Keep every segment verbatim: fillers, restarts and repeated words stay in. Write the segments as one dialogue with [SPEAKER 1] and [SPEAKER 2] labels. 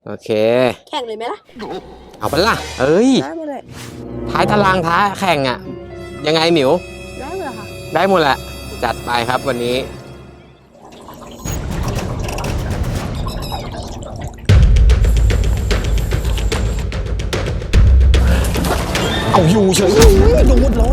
[SPEAKER 1] โอเค
[SPEAKER 2] แข่งเลยไหมล่ะ
[SPEAKER 1] เอาไปล่ะเอ้ย
[SPEAKER 2] ได้หมดเลย
[SPEAKER 1] ท้ายตารางท้าแข่งอ่ะยังไงหมิว
[SPEAKER 2] ได้หมดเลยค่ะ
[SPEAKER 1] ได้หมดแหละจัดไปครับวันนี้เอาอยู่เฉยโดนเลย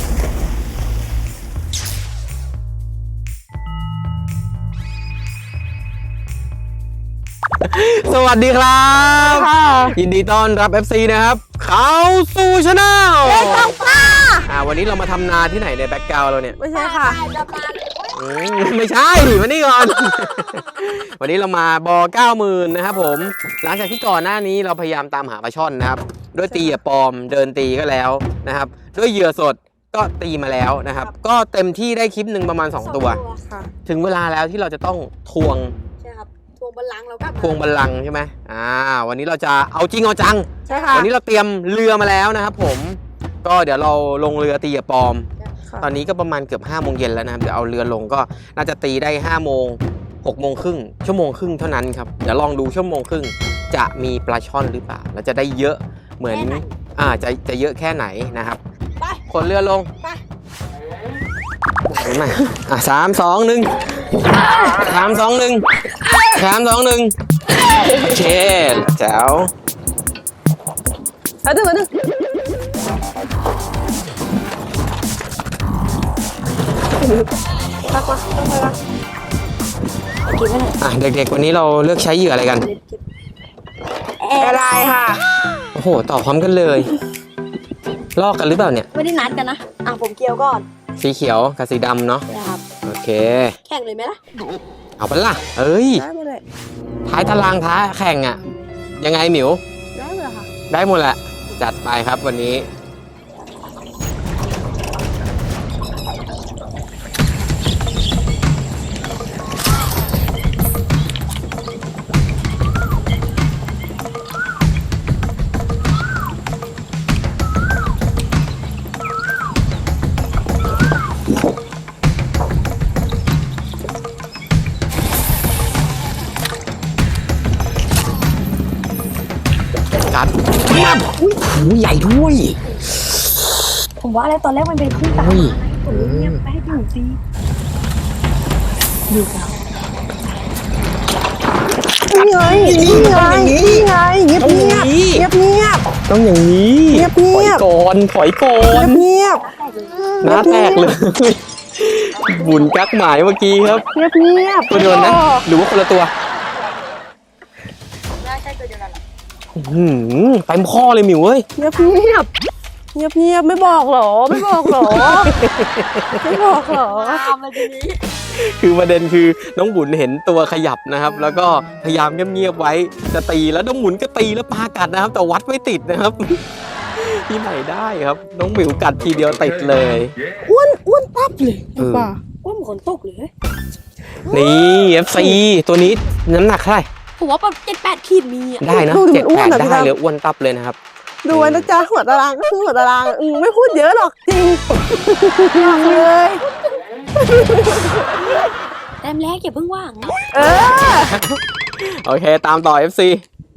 [SPEAKER 1] สวัสดีครับยินดีต้อนรับ เอฟ ซี นะครับเข้าสู่ช anel
[SPEAKER 2] เล่นตกปลา
[SPEAKER 1] อ่าวันนี้เรามาทำนาที่ไหนในแบ็คกราวด์เราเนี่ย
[SPEAKER 2] ไม่ใช่ค่ะ
[SPEAKER 1] ไม่ใช่มานี่ก่อน วันนี้เรามาบอเก้าหมื่นนะครับผมหลังจากที่ก่อนหน้านี้เราพยายามตามหาปลาช่อนนะครับด้วยตีปลอมเดินตีก็แล้วนะครับด้วยเหยื่อสดก็ตีมาแล้วนะครับก็เต็มที่ได้คลิปหนึ่งประมาณสองตัวถึงเวลาแล้วที่เราจะต้องทวง
[SPEAKER 2] ทวงบัลลังก์เราก็
[SPEAKER 1] ทวงบัลลังก์ใช่ไหมอ่าวันนี้เราจะเอาจริงเอาจัง
[SPEAKER 2] ใช่ค่ะ
[SPEAKER 1] วันนี้เราเตรียมเรือมาแล้วนะครับผมก็เดี๋ยวเราลงเรือตีปลอมตอนนี้ก็ประมาณเกือบห้าโมงเย็นแล้วนะครับเดี๋ยวเอาเรือลงก็น่าจะตีได้ห้าโมงหกโมงครึ่งชั่วโมงครึ่งเท่านั้นครับเดี๋ยวลองดูชั่วโมงครึ่งจะมีปลาช่อนหรือเปล่าแล้วจะได้เยอะเหมือนอ่าจะจะเยอะแค่ไหนนะครับคนเรือลงมาอ่ะสามสองหนึ่งสามสองหนึ่งสามสองหนึ่งโอเคแจ๋ว
[SPEAKER 2] เอาดึงเอาดึงปักวะต้องไปวะกินไม่ได้
[SPEAKER 1] อ่ะเด็กๆวันนี้เราเลือกใช้เหยื่ออะไรกัน
[SPEAKER 2] แอร์ไลน์ค่ะ
[SPEAKER 1] โอ้โหตอบพร้อมกันเลยลอกกันหรือเปล่าเนี่ย
[SPEAKER 2] ไม่ได้นัดกันนะอ่ะผมเกี่ยวก่อน
[SPEAKER 1] สีเขียวกับสีดำเนาะ
[SPEAKER 2] ครับ
[SPEAKER 1] โอเค
[SPEAKER 2] แข่งเลยไหมล่ะ
[SPEAKER 1] เอาไปล่ะเอ้ย
[SPEAKER 2] ได้หมดเลย
[SPEAKER 1] ท้ายตารางท้าแข่งอ่ะยังไงหมิว
[SPEAKER 2] ได้หมดค่ะ
[SPEAKER 1] ได้หมดแหละจัดไปครับวันนี้กัดเงียบหูใหญ่ด้วย
[SPEAKER 2] ผมว่าอะไรตอนแรกมันเป็นขึ้นตาผมเงียบไปให้พี่หนูตีดูกันนี่ไงนี่ไงนี่ไงเงียบเงียบเงียบเงียบ
[SPEAKER 1] ต้องอย่างนี้
[SPEAKER 2] เงียบเงียบ
[SPEAKER 1] ก่อนถอยก่อน
[SPEAKER 2] เงียบ
[SPEAKER 1] หน้าแตกเลยบุญกักหมายเมื่อกี้ครับ
[SPEAKER 2] เงียบเงียบ
[SPEAKER 1] ตัวเดียวนะหรือว่าคนละตัว
[SPEAKER 2] น่าใช่ตัวเดียวกัน
[SPEAKER 1] หืมเต็มข้อเลยหมิวเว้ย
[SPEAKER 2] เงียบเงียบเงียบเงียบไม่บอกหรอไม่บอกหรอไม่บอกหรอทำมาทีนี้
[SPEAKER 1] คือประเด็นคือน้องบุญเห็นตัวขยับนะครับแล้วก็พยายามเงียบๆไว้จะตีแล้วน้องบุญก็ตีแล้วปากัดนะครับแต่วัดไม่ติดนะครับที่ไหนได้ครับน้องหมิวกัดทีเดียวติดเลย
[SPEAKER 2] อ้วนอ้วนปั๊บเลยป่าอ้วนเหมือนคนตกเลย
[SPEAKER 1] นี่ เอฟ ซี ตัวนี้น้ำหนักเท่าไหร่
[SPEAKER 2] ผมว่าประมาณเจ็ดแปดขีดมีอ่ะ
[SPEAKER 1] ได้นะเจ็ดแปดได้เลยอ้วนตับเลยนะครับ
[SPEAKER 2] ดูไว้นะจ๊ะหัวตารางก็คือหัวตารางอืมไม่พูดเยอะหรอกจริงเลยแต้มแรกอย่าเพิ่งว่างนะเออ
[SPEAKER 1] โอเคตามต่อ เอฟ ซี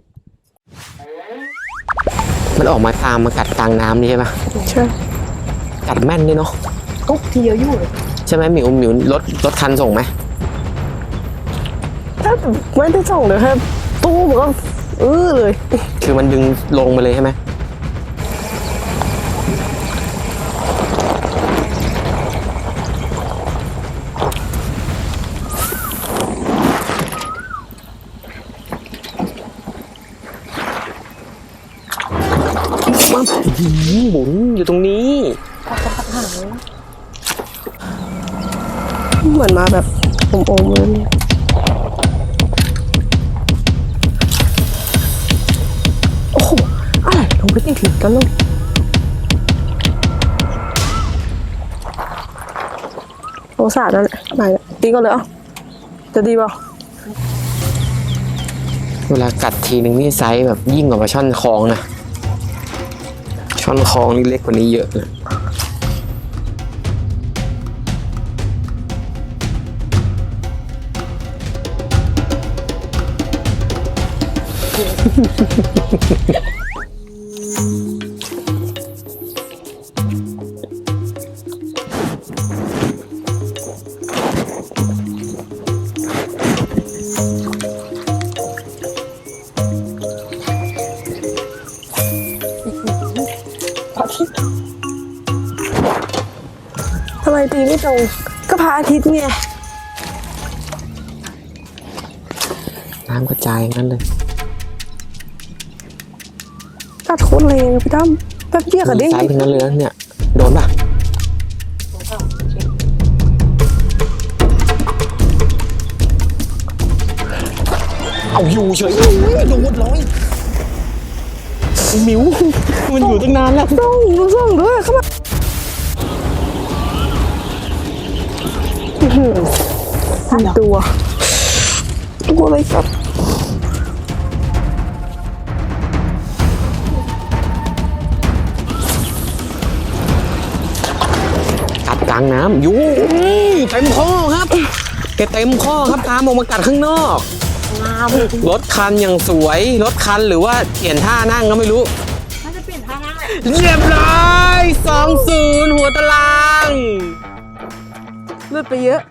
[SPEAKER 1] มันออกมาตามมากัดกลางน้ำนี่ใช่ไหม
[SPEAKER 2] ใช่
[SPEAKER 1] กัดแม่นนี่เนาะ
[SPEAKER 2] กุ๊กทีเดียวอยู่เลย
[SPEAKER 1] ใช่ไหมหมิวหมิวรถรถคันส่งไหม
[SPEAKER 2] ถ้าไม่ได้ส่งเลยครับตู้มันก็เออเลย
[SPEAKER 1] คือมันดึงลงมาเลยใช่ไหมบุญอยู่ตรงนี้
[SPEAKER 2] เหมือนมาแบบอมๆเลยโอ้โหอะไรลงไปติดถึงกันลงโอ้สาดนั่นแหละไปตีก็เลยอ่ะจะดีป่ะ
[SPEAKER 1] เวลากัดทีนึงนี่ไซส์แบบยิ่งกว่าปลาช่อนคลองนะช่อนคลองนี่เล็กกว่านี้เยอะเลย
[SPEAKER 2] ทำไมตีไม่ตรงก็พระอาทิตย์ไง
[SPEAKER 1] น้ำกระจายงั้นเลย
[SPEAKER 2] ตัดโคตรแรงพี่ตั้มแป๊บเดียวกับเด้ง
[SPEAKER 1] ไซส์ทั้งนั้นเลยนะเนี่ย โดนป่ะ เอาอยู่เฉยโดนเลยหมิว มันอยู่ตั้งนานแล้ว
[SPEAKER 2] ส่งส่งด้วยเข้ามาอื้อหือตัวตัวอะไรครับ
[SPEAKER 1] กัดกลางน้ำอยู่เต็มข้อครับแกเต็มข้อครับตามออกมากัดข้างนอกรถคันอย่างสวยรถคันหรือว่าเปลี่ยนท่านั่งก็ไม่รู้น่าจะเปลี่ยนท่านั่งแหละเรียบร้อยสองศูนย์หัวตาราง
[SPEAKER 2] เลือดไปเยอะ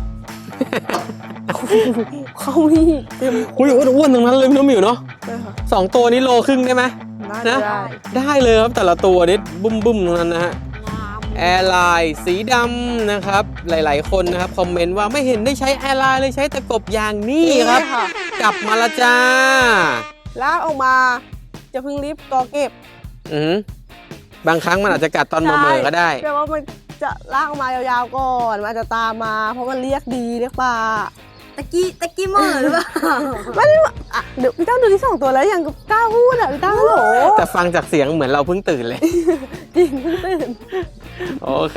[SPEAKER 2] เขามีเต็ม
[SPEAKER 1] อุ้ยอ้วนๆตรงนั้นเลยพี่น้องหมิวเนาะ
[SPEAKER 2] เลยค่ะ
[SPEAKER 1] สองตัวนี้โลครึ่งได้ไหม
[SPEAKER 2] ได้
[SPEAKER 1] นะ
[SPEAKER 2] ได้
[SPEAKER 1] ได้เลยครับแต่ละตัวนี้บุ้มบุ้มๆตรงนั้นนะฮะแอร์ไลน์สีดำนะครับ หลายๆคนนะครับคอมเมนต์ว่าไม่เห็นได้ใช้แอร์ไลน์เลยใช้ตะกบยางนี่ครับ
[SPEAKER 2] ค่ะ
[SPEAKER 1] กลับมาละจ้า
[SPEAKER 2] ลากออกมาจะเพิ่งรีบกอเก็บ
[SPEAKER 1] อือหือบางครั้งมันอาจจะกัดตอนเมื่อๆก็ได้
[SPEAKER 2] แต่ว่ามันจะลากออกมายาวๆก่อนมันอาจจะตามมา เพราะมันเรียกดีเรียกปลา
[SPEAKER 3] ตะกี้ตะกี้เหมื่อหรือเปล่า
[SPEAKER 2] ไม่ได้ว่าอ่ะเดี๋ยวพี่ตั้งดูที่สองตัวแล้วยังกล้าพูดอ่ะพี่ตั้งโหล
[SPEAKER 1] แต่ฟังจากเสียงเหมือนเราเพิ่งตื่นเลย
[SPEAKER 2] จริงเพิ่งตื่น
[SPEAKER 1] โอเค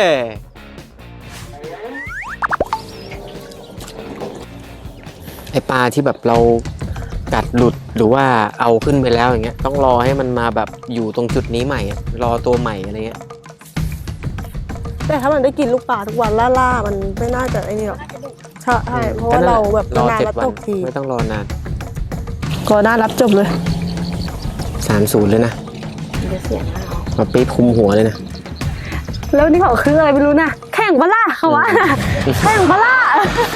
[SPEAKER 1] ไอปลาที่แบบเรากัดหลุดหรือว่าเอาขึ้นไปแล้วอย่างเงี้ยต้องรอให้มันมาแบบอยู่ตรงจุดนี้ใหม่อะรอตัวใหม่อะไรเงี้ย
[SPEAKER 2] แต่ถ้ามันได้กินลูกปลาทุกวันล่าๆมันไม่น่าจะไอ้นี่หรอกใช่ใช่เพราะว่าเราแบบ
[SPEAKER 1] รอน
[SPEAKER 2] าน
[SPEAKER 1] เจ็ด
[SPEAKER 2] แล้ว
[SPEAKER 1] วั
[SPEAKER 2] ต
[SPEAKER 1] น
[SPEAKER 2] กที
[SPEAKER 1] ไม่ต้องรอนาน
[SPEAKER 2] ก็น่ารับจบเลย
[SPEAKER 1] สามศูนย์เลยนะ
[SPEAKER 2] เดี๋ยวเสียงหน้า
[SPEAKER 1] มาปี๊บคุมหัวเลยนะ
[SPEAKER 2] แล้วนี่เขาคืออะไรไม่รู้นะแข่งปะล่ะเขาว่าแข่งปะล่ะ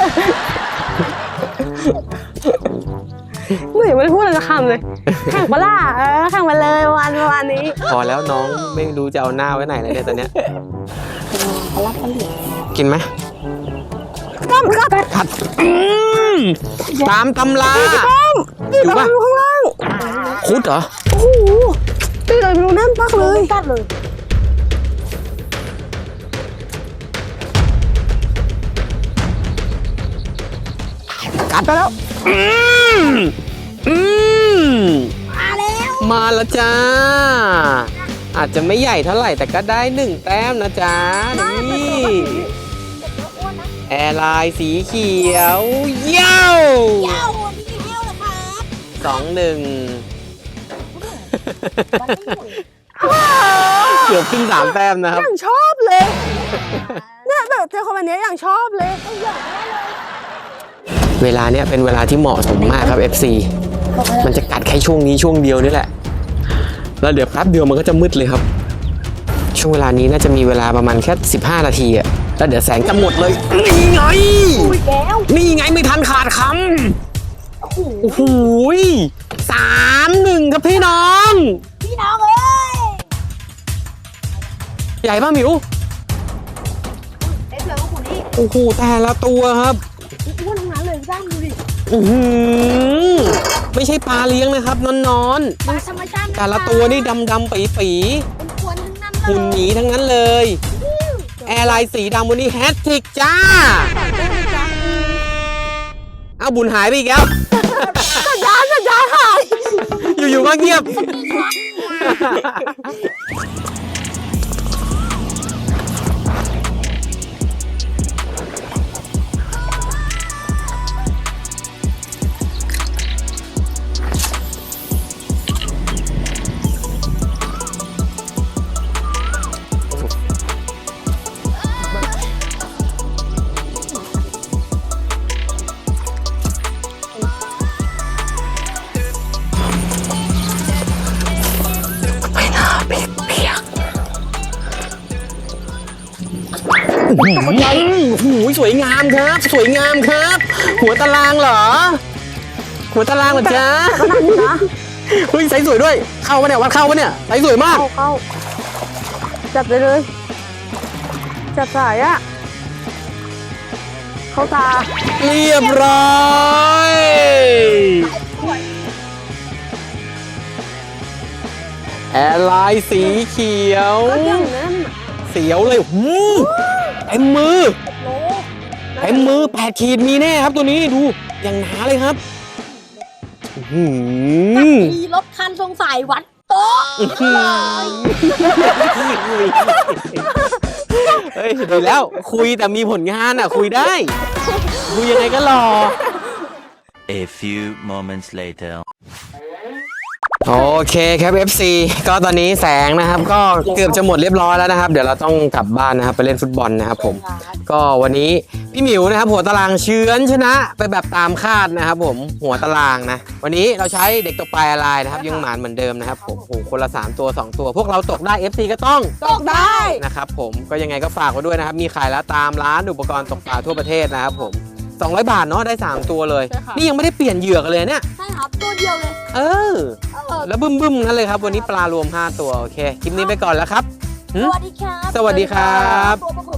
[SPEAKER 2] หนูยังไม่ได้พูดอะไรสักคำเลยแข่งปะล่ะเออแข่งมาเลยวันประมาณนี้
[SPEAKER 1] พอแล้วน้องไม่รู้จะเอาหน้าไว้ไหนเลยเนี่ยตอนเนี้ยกินไหม
[SPEAKER 2] ต้มครับ
[SPEAKER 1] ผัดอืมตามตำรา
[SPEAKER 2] ต้ม
[SPEAKER 1] อยู่ปะ
[SPEAKER 2] อยู่ข้างล่าง
[SPEAKER 1] คุดเหรอ
[SPEAKER 2] โอ้โหตีเลยไม่รู้แน่นมากเลยตัดเลย
[SPEAKER 1] กัดไปแล้ว อืมอืม
[SPEAKER 3] มาแล้ว
[SPEAKER 1] มาแล้วจ้า อาจจะไม่ใหญ่เท่าไหร่แต่ก็ได้หนึ่งแต้มนะจ๊ะ นี่ แอร์ไลน์สีเขียวเย้า
[SPEAKER 3] เย้าพี่กินเย้าเหรอครับ
[SPEAKER 1] สองหนึ่งเกือบขึ้นสามแต้มนะครับ
[SPEAKER 2] อย่างชอบเลย เนี่ยแบบเจอคนแบบนี้อย่างชอบเลย
[SPEAKER 1] เวลาเนี้ยเป็นเวลาที่เหมาะสมมากครับ เอฟ ซี มันจะกัดแค่ช่วงนี้ช่วงเดียวนี่แหละ แล้วเดี๋ยวแป๊บเดียวมันก็จะมืดเลยครับ ช่วงเวลานี้น่าจะมีเวลาประมาณแค่สิบห้านาทีอะแล้วเดี๋ยวแสงจะหมดเลย นี่ไง นี่ไงไม่ทันขาดคำ โอ้โหสามหนึ่งครับพี่น้อง
[SPEAKER 3] พี่น้องเอ้ย
[SPEAKER 1] ใหญ่ป่ะหมิว
[SPEAKER 3] เอ็ดเหลือของคุณนี่
[SPEAKER 1] โอ้โหแต่ละตัวครับ
[SPEAKER 3] อ้วนทั้งนั้นเลยพี่ตั้มดูดิ
[SPEAKER 1] อื้อหือไม่ใช่ปลาเลี้ยงนะครับนอน
[SPEAKER 3] ปลาธรรมชาติ
[SPEAKER 1] ๆแต่ละตัวนี่ดำดำๆปีปี
[SPEAKER 3] เป็นควนทั้งนั้นเลย
[SPEAKER 1] หุ่นหมีทั้งนั้นเลย แอร์ไลน์สีดำวันนี้แฮตทริกจ้า เอาบุญหายไปอีกแล้ว
[SPEAKER 2] สัญญาณสัญญาณหาย
[SPEAKER 1] อยู่ๆก็เงียบใหญ่โอ้โหสวยงามครับ สวยงามครับ หัวตารางเหรอ หัวตารางเหรอจ๊ะ
[SPEAKER 2] ก็นั่นอยู่นะ
[SPEAKER 1] เฮ้ยไซส์สวยด้วย เข้าปะเนี่ยวัดเข้าปะเนี่ยไซส์สวยมาก
[SPEAKER 2] เข้าเข้าจับได้เลย จับสายอะเข้าตา
[SPEAKER 1] เรียบร้อยแอร์ไลน์สีเขียว
[SPEAKER 2] ก็อย่างนั้น
[SPEAKER 1] เสียวเลยหูเต็มมือ
[SPEAKER 3] โล
[SPEAKER 1] เต็มมือแปดขีดมีแน่ครับตัวนี้ดูอย่างหนาเลยครับอื้อหือ
[SPEAKER 3] ขี่รถคันทรงสายวัดโต๊ะ
[SPEAKER 1] เฮ้ยดีแล้วคุยแต่มีผลงานอ่ะ คุยได้ คุยยังไงก็รอ
[SPEAKER 4] A few moments later.
[SPEAKER 1] โอเคครับ เอฟ ซี ก็ตอนนี้แสงนะครับก็เกือบจะหมดเรียบร้อยแล้วนะครับ เดี๋ยวเราต้องกลับบ้านนะครับไปเล่นฟุตบอลนะครับผมก็วันนี้พี่หมิวนะครับหัวตารางเฉือนชนะไปแบบตามคาดนะครับผมหัวตารางนะวันนี้เราใช้เด็กตกปลายอะไรนะครับยังหมานเหมือนเดิมนะครับผมโอ้โหคนละสามตัวสองตัว พวกเราตกได้ เอฟ ซี ก็ต้อง
[SPEAKER 3] ตกได้
[SPEAKER 1] นะครับผมก็ยังไงก็ฝากไว้ด้วยนะครับมีขายแล้วตามร้านอุปกรณ์ตกปลาทั่วประเทศนะครับผมสองร้อยบาทเนาะได้สามตัวเลย
[SPEAKER 3] ใช่ค่ะ
[SPEAKER 1] นี่ยังไม่ได้เปลี่ยนเหยือกเลยเนี่ย
[SPEAKER 3] ใช่ครับตัวเดียวเลย
[SPEAKER 1] เออ
[SPEAKER 3] เออ
[SPEAKER 1] แล้วบึ้มบึ้มๆนั่นเลยครับวันนี้ปลารวมห้าตัวโอเคคลิปนี้ไปก่อนแล้วครับ
[SPEAKER 3] สวัสดีครับ
[SPEAKER 1] สวัสดีครับ
[SPEAKER 3] ตัวประก